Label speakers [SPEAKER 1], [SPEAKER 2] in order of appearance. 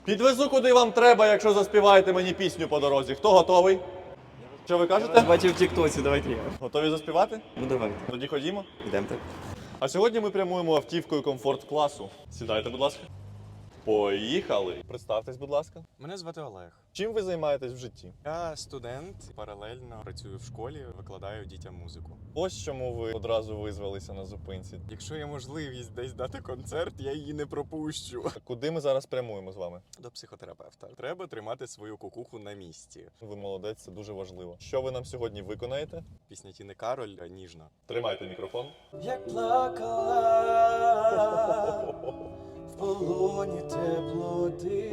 [SPEAKER 1] Підвезу, куди вам треба, якщо заспіваєте мені пісню по дорозі. Хто готовий? Що ви кажете?
[SPEAKER 2] Бачив в тіктоці, давайте я.
[SPEAKER 1] Готові заспівати?
[SPEAKER 2] Ну давайте.
[SPEAKER 1] Тоді ходімо.
[SPEAKER 2] Йдемо так.
[SPEAKER 1] А сьогодні ми прямуємо автівкою комфорт-класу. Сідайте, будь ласка. Поїхали! Представтесь, будь ласка.
[SPEAKER 3] Мене звати Олег.
[SPEAKER 1] Чим ви займаєтесь в житті?
[SPEAKER 3] Я студент, паралельно працюю в школі, викладаю дітям музику.
[SPEAKER 1] Ось чому ви одразу визвалися на зупинці.
[SPEAKER 3] Якщо є можливість десь дати концерт, я її не пропущу.
[SPEAKER 1] Куди ми зараз прямуємо з вами?
[SPEAKER 3] До психотерапевта. Треба тримати свою кукуху на місці.
[SPEAKER 1] Ви молодець, це дуже важливо. Що ви нам сьогодні виконаєте?
[SPEAKER 3] Пісня Тіни Кароль ніжна.
[SPEAKER 1] Тримайте мікрофон.
[SPEAKER 4] Як плакала в полоні теплоти,